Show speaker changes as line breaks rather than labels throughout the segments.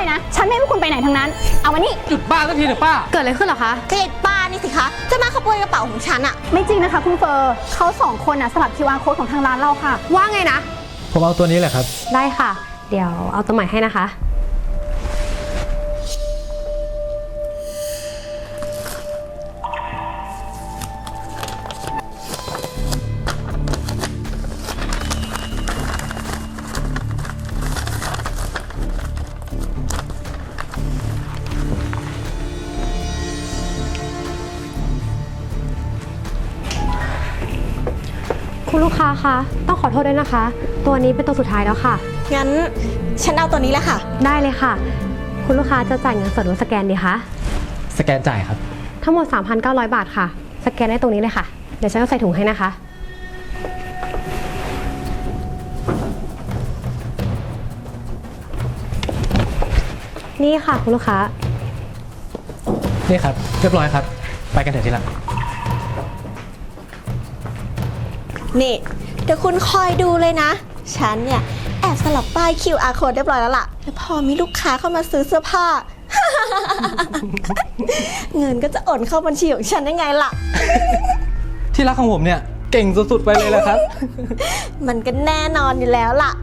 นะ ฉันไม่ให้พวกคุณไปไหนทั้งนั้น เอามานี่
หยุดบ้าสักทีเถอะป้า
เกิดอะไรขึ้นเหรอคะ
ก็ไอ้ป้านี่สิคะจะมาขโมยกระเป๋าของฉันอะ
ไม่จริงนะคะคุณเฟอร์เขาสองคนสลับ QR code ของทางร้านเราค่ะ
ว่าไงนะ
ผมเอาตัวนี้แหละครับ
ได้ค่ะ เดี๋ยวเอาตัวใหม่ให้นะคะคุณลูกค้าคะต้องขอโทษด้วยนะคะ ตัวนี้เป็นตัวสุดท้ายแล้วค่ะ
งั้นฉันเอาตัวนี้แหละค่ะ
ได้เลยค่ะคุณลูกค้าจะจ่ายเงินสดหรือสแกนดีคะ
สแกนจ่ายครับ
ทั้งหมด 3,900 บาทค่ะสแกนได้ตรงนี้เลยค่ะเดี๋ยวฉันจะใส่ถุงให้นะคะนี่ค่ะคุณลูกค้า
นี่ครับเรียบร้อยครับไปกันเถอะทีหลัง
นี่เดี๋ยวคุณคอยดูเลยนะฉันเนี่ยแอบสลับป้าย QR code เรียบร้อยแล้วล่ะแล้วพอมีลูกค้าเข้ามาซื้อเสื้อผ้า เงินก็จะโอนเข้าบัญชีของฉันได้ไงล่ะ
ที่รักของผมเนี่ยเก่งสุดๆไปเลยแหละครับ
มันก็แน่นอนอยู่แล้วล่ะ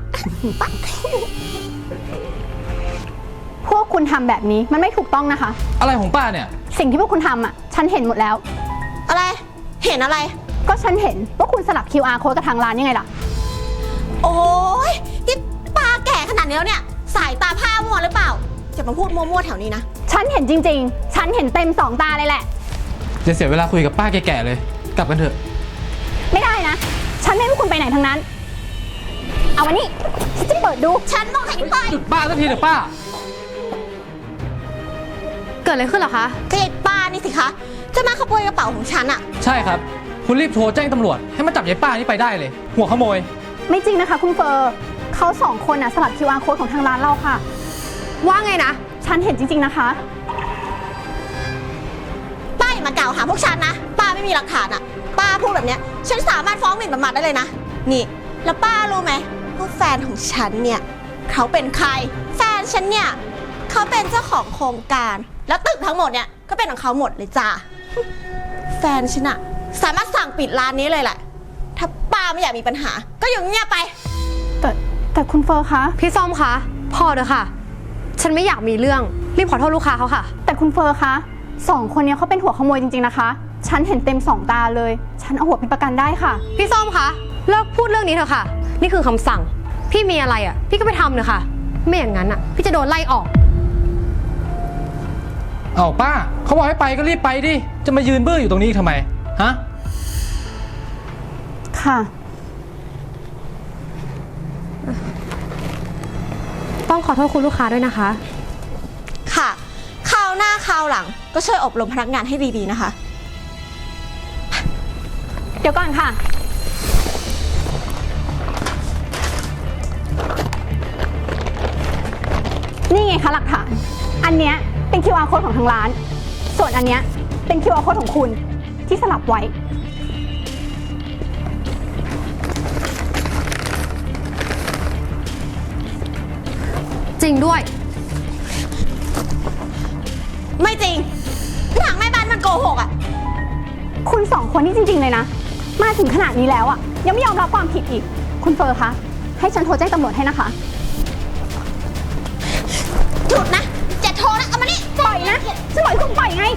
พวกคุณทำแบบนี้มันไม่ถูกต้องนะคะ
อะไรของป้าเนี่ย
สิ่งที่พวกคุณทำฉันเห็นหมดแล้ว
อะไรเห็นอะไร
ก็ฉันเห็นว่าคุณสลับ QR code กับทางร้านยังไงล่ะ
โอ้ยนี่ป้าแก่ขนาดนี้แล้วเนี่ยสายตาผ้ามัวหรือเปล่าจะมาพูดมั่วๆแถวนี้นะ
ฉันเห็นจริงๆฉันเห็นเต็ม2 ตาเลยแหละ
จะเสียเวลาคุยกับป้าแก่ๆเลยกลับกันเถอะ
ไม่ได้นะฉันไม่ให้พวกคุณไปไหนทั้งนั้นเอามานี่ฉันจะเปิดดู
ฉันบอกให้ไป
หยุดบ้าสักทีเถอะป้า
เกิดอะไรขึ้นเหรอคะ
ก็ไอ้ป้านี่สิคะจะมาขโมยกระเป๋าของฉันอะ
ใช่ครับคุณรีบโทรแจ้งตำรวจให้มาจับยายป้านี่ไปได้เลยหัวขโมย
ไม่จริงนะคะคุณเฟอร์เขา2 คนสลับ QR code ของทางร้านเราค่ะ
ว่าไงนะ
ฉันเห็นจริงๆนะคะ
ป้าอย่ามากล่าวหาพวกฉันนะป้าไม่มีหลักฐานอะป้าพูดแบบเนี้ยฉันสามารถฟ้องหมิ่นประมาทได้เลยนะนี่แล้วป้ารู้ไหมว่าแฟนของฉันเนี่ยเขาเป็นใครแฟนฉันเนี่ยเขาเป็นเจ้าของโครงการแล้วตึกทั้งหมดเนี่ยก็เป็นของเขาหมดเลยจ้าแฟนฉันอะสามารถสั่งปิดร้านนี้เลยแหละถ้าป้าไม่อยากมีปัญหาก็อยู่เงียบไป
แต่คุณเฟอร์คะ
พี่ส้มคะพอเถอะค่ะฉันไม่อยากมีเรื่องรีบขอโทษลูกค้าเขาค่ะ
แต่คุณเฟอร์คะ2 คนนี้เขาเป็นหัวขโมยจริงๆนะคะฉันเห็นเต็ม2 ตาเลยฉันเอาหัวเป็นประกันได้ค่ะ
พี่ส้มคะเลิกพูดเรื่องนี้เถอะค่ะนี่คือคำสั่งพี่มีอะไรพี่ก็ไปทำเลยค่ะไม่อย่างนั้นพี่จะโดนไล่ออก
เอาป้าเขาบอกให้ไปก็รีบไปดิจะมายืนเบื้ออยู่ตรงนี้ทำไมฮะ
ค่ะ
ต้องขอโทษคุณลูกค้าด้วยนะคะ
ค่ะคราวหน้าคราวหลังก็ช่วยอบรมพนักงานให้ดีๆนะคะ
เดี๋ยวก่อนค่ะนี่ไงคะหลักฐานอันเนี้ยเป็น QR code ของทางร้านส่วนอันเนี้ยเป็น QR code ของคุณที่สลับไว้
จริงด้วย
ไม่จริงหนังแม่บ้านมันโกหก
คุณ2 คนนี่จริงๆเลยนะมาถึงขนาดนี้แล้วยังไม่ยอมรับความผิดอีกคุณเฟอร์คะให้ฉันโทรแจ้งตำรวจให้นะคะ
หยุดนะจะโทรนะเอามานี่
ปล่อยนะฉันบอกให้คุณปล่อยไง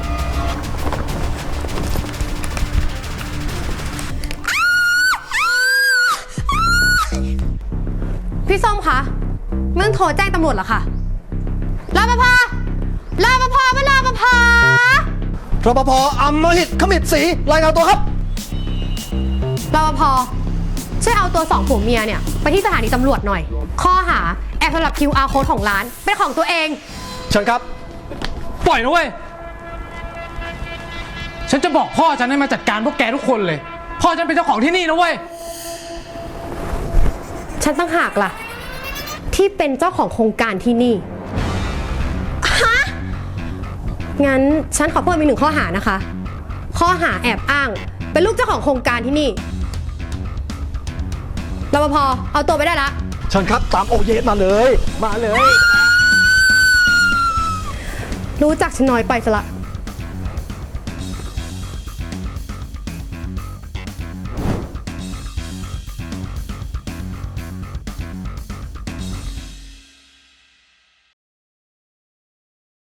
พี่ส้มคะไม่ต้องโทรแจ้งตำรวจหรอคะรปภรปภไม่รปภ
รปภอำมหิตขมิดศรีรายงานตัวครับ
รปภช่วยเอาตัว2 ผัวเมียเนี่ยไปที่สถานีตำรวจหน่อยข้อหาแอบสลับ QR code ของร้านเป็นของตัวเอง
เชิญครับ
ปล่อยนะเว้ยฉันจะบอกพ่อฉันให้มาจัดการพวกแกทุกคนเลยพ่อฉันเป็นเจ้าของที่นี่นะเว้ย
ฉันตั้งหากล่ะที่เป็นเจ้าของโครงการที่นี่
ฮะ
งั้นฉันขอเพิ่มอีก1 ข้อหานะคะข้อหาแอบอ้างเป็นลูกเจ้าของโครงการที่นี่รปภเอาตัวไปได้ละ
เชิญครับตามโอเยสมาเลย
รู้จักฉันน้อยไปซะละ